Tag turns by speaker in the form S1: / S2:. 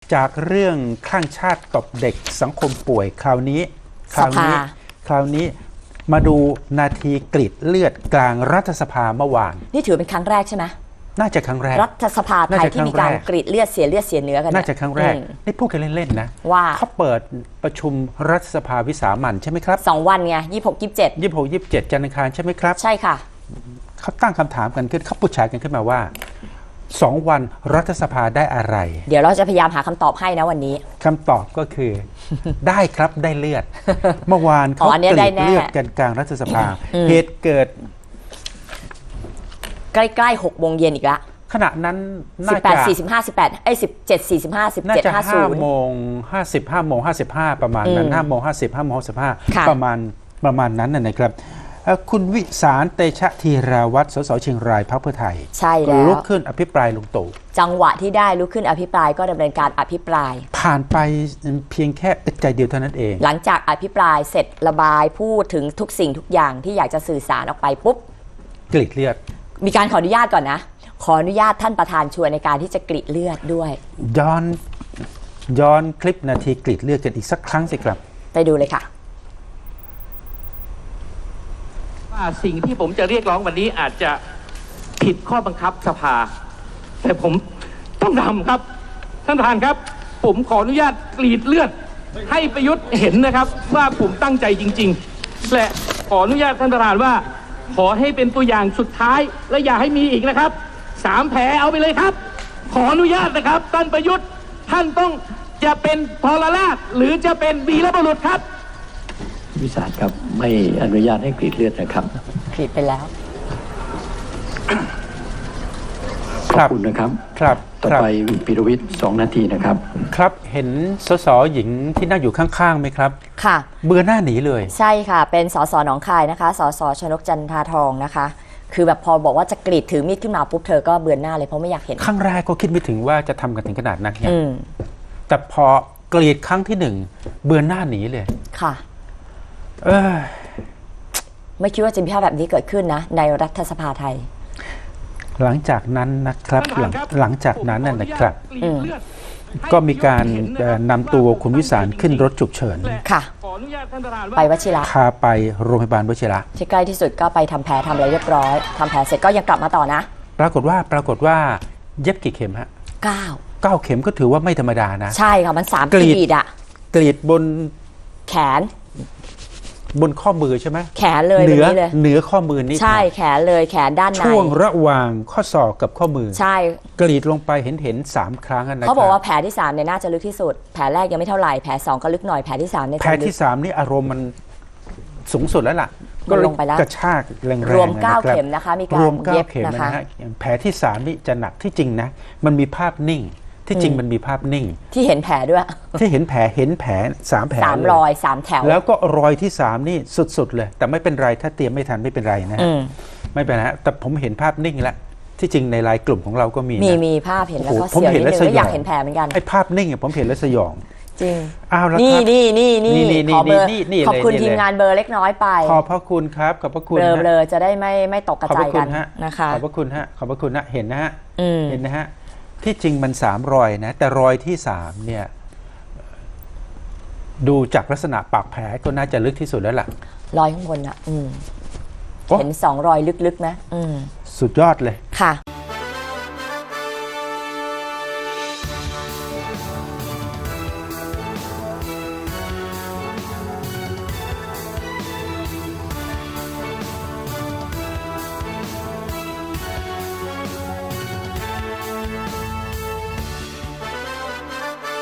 S1: จากเรื่องข้างชาติตบเด็กสังคมป่วยคราวนี้มาดูนาทีกรีดเลือดกลางรัฐสภาเมื่อวาน
S2: นี่ถือเป็นครั้งแรกใช่ไหม
S1: น่าจะครั้งแรก
S2: รัฐสภาไทยที่มีการกรีดเลือดเสียเนื้อกัน
S1: น่าจะครั้งแรกนี่พูดกันเล่นๆนะ
S2: ว่า
S1: เขาเปิดประชุมรัฐสภาวิสามัญใช่ไหมครับ
S2: 2 วันไง26-27
S1: จันทร์อังคารใช่ไหมครับ
S2: ใช่ค่ะ
S1: เขาตั้งคำถามกันขึ้นเขาพูดฉายกันขึ้นมาว่า2 วันรัฐสภาได้อะไร
S2: เดี๋ยวเราจะพยายามหาคำตอบให้นะวันนี้
S1: คำตอบก็คือ ได้ครับได้เลือด เมื่อวานเขากรีดเลือดกันกลางรัฐสภาเหตุเกิด
S2: ใกล้ๆ6 โมงเย็นอีกละ
S1: ขณะนั้นน่าจะ
S2: 17:45
S1: น่าจะ5 โมง 50 5 โมง 55ประมาณนั้น5 โมง 50 5 โมง 55ประมาณนั้นนะครับคุณวิสารเตชะธีราวัฒน์สสเชียงรายพรรคเพื่อไทย
S2: ใช่แล้ว
S1: ลุกขึ้นอภิปรายลุงตู่
S2: จังหวะที่ได้ลุกขึ้นอภิปรายก็ดำเนินการอภิปราย
S1: ผ่านไปเพียงแค่อึดใจเดียวเท่านั้นเอง
S2: หลังจากอภิปรายเสร็จระบายพูดถึงทุกสิ่งทุกอย่างที่อยากจะสื่อสารออกไปปุ๊บ
S1: กรีดเลือด
S2: มีการขออนุญาตก่อนนะขออนุญาตท่านประธานชวนในการที่จะกรีดเลือดด้วย
S1: ย้อนคลิปนาทีกรีดเลือดกันอีกสักครั้งสิครับ
S2: ไปดูเลยค่ะ
S3: ว่าสิ่งที่ผมจะเรียกร้องวันนี้อาจจะผิดข้อบังคับสภาแต่ผมต้องทำครับท่านประธานครับผมขออนุญาตกรีดเลือดให้ประยุทธ์เห็นนะครับว่าผมตั้งใจจริงๆและขออนุญาตท่านประธานว่าขอให้เป็นตัวอย่างสุดท้ายและอย่าให้มีอีกนะครับ3 แผลเอาไปเลยครับขออนุญาตนะครับท่านประยุทธ์ท่านต้องจะเป็นทรราชหรือจะเป็นวีรบุรุษครับ
S4: วิสารครับไม่อนุญาตให้กรีดเลือดนะครับ
S2: กรีดไปแล้ว
S4: ขอบคุณนะครับต่อไปปิรวิทย์2 นาทีนะครับ
S1: ครับเห็นสสหญิงที่นั่งอยู่ข้างๆไหมครับ
S2: ค่ะ
S1: เบื่อหน้าหนีเลย
S2: ใช่ค่ะเป็นสสหนองคายนะคะสสชนกจันทาทองนะคะคือแบบพอบอกว่าจะกรีดถือมีดขึ้นมาปุ๊บเธอก็เบื่อหน้าเลยเพราะไม่อยากเห็น
S1: ครั้งแรกก็คิดไม่ถึงว่าจะทำกันถึงขนาดนั้นเนี่ยแต่พอกรีดครั้งที่1เบื่อหน้าหนีเลย
S2: ค่ะไม่คิดว่าจะมีภาพแบบนี้เกิดขึ้นนะในรัฐสภาไทย
S1: หลังจากนั้นนะครับหลังจากนั้นนะครับก็มีการนำตัวคุณวิสารขึ้นรถฉุกเฉิน
S2: ค่ะไปวชิระ
S1: พาไปโรงพยาบาลวชิระ
S2: ที่ใกล้ที่สุดก็ไปทำแผลทำอะไรเรียบร้อยทำแผลเสร็จก็ยังกลับมาต่อนะ
S1: ปรากฏว่าเย็บกี่เข็มฮะ9เข็มก็ถือว่าไม่ธรรมดานะ
S2: ใช่ค่ะมัน3 กรีดอะ
S1: กรีดบน
S2: แขน
S1: บนข้อมือใช่ไหม
S2: แขนเลยเห
S1: นือข้อมือนี่
S2: ใช่แขนเลยแขนด้านใน
S1: ช่วงระหว่างข้อศอกกับข้อมือ
S2: ใช่
S1: กรีดลงไปเห็น3 ครั้งนะ
S2: เขาบอกว่าแผลที่3เนี่ยน่าจะลึกที่สุดแผลแรกยังไม่เท่าไหร่แผล2ก็ลึกหน่อยแผลที่3เนี่ย
S1: แผลที่3นี่อารมณ์มันสูงสุดแล้วล่ะ
S2: ก็ลงไปแล้ว
S1: กระชากแรงๆ
S2: รวม9 เข็มนะคะมีการเย็บนะคะ
S1: แผลที่3นี่จะหนักที่จริงนะมันมีภาพนิ่งที่จริงมันมีภาพนิ่ง
S2: ที่เห็นแผลด้วย
S1: ที่เห็นแผล3 แผล
S2: 3 รอย3 แถว
S1: แล้วก็รอยที่3นี่สุดๆเลยแต่ไม่เป็นไรถ้าเตรียมไม่ทันไม่เป็นไรนะไม่เป็นไรแต่ผมเห็นภาพนิ่งแล้วที่จริงในไลน์กลุ่มของเราก็มี
S2: ภาพเห็นแล้วก็เสียวนิดนึงแล้วอยากเห็นแผลเหมือนกัน
S1: ไอ้ภาพนิ่งผมเห็นแล้วสยอง
S2: จริง
S1: นี่
S2: ขอเบอร์ขอบคุณทีมงานเบอร์เล็กน้อยไป
S1: ขอบพระคุณครับขอบพระคุณ
S2: เบลอจะได้ไม่ตกกระจายกันนะคะ
S1: ขอบพระคุณฮะขอบพระคุณนะเห็นนะฮะเห็นนะฮะที่จริงมัน3 รอยนะแต่รอยที่3เนี่ยดูจากลักษณะปากแผลก็น่าจะลึกที่สุดแล้วล่ะ
S2: รอยข้างบนอ่ะเห็น2 รอยลึกๆนะ
S1: สุดยอดเลย
S2: ค่ะ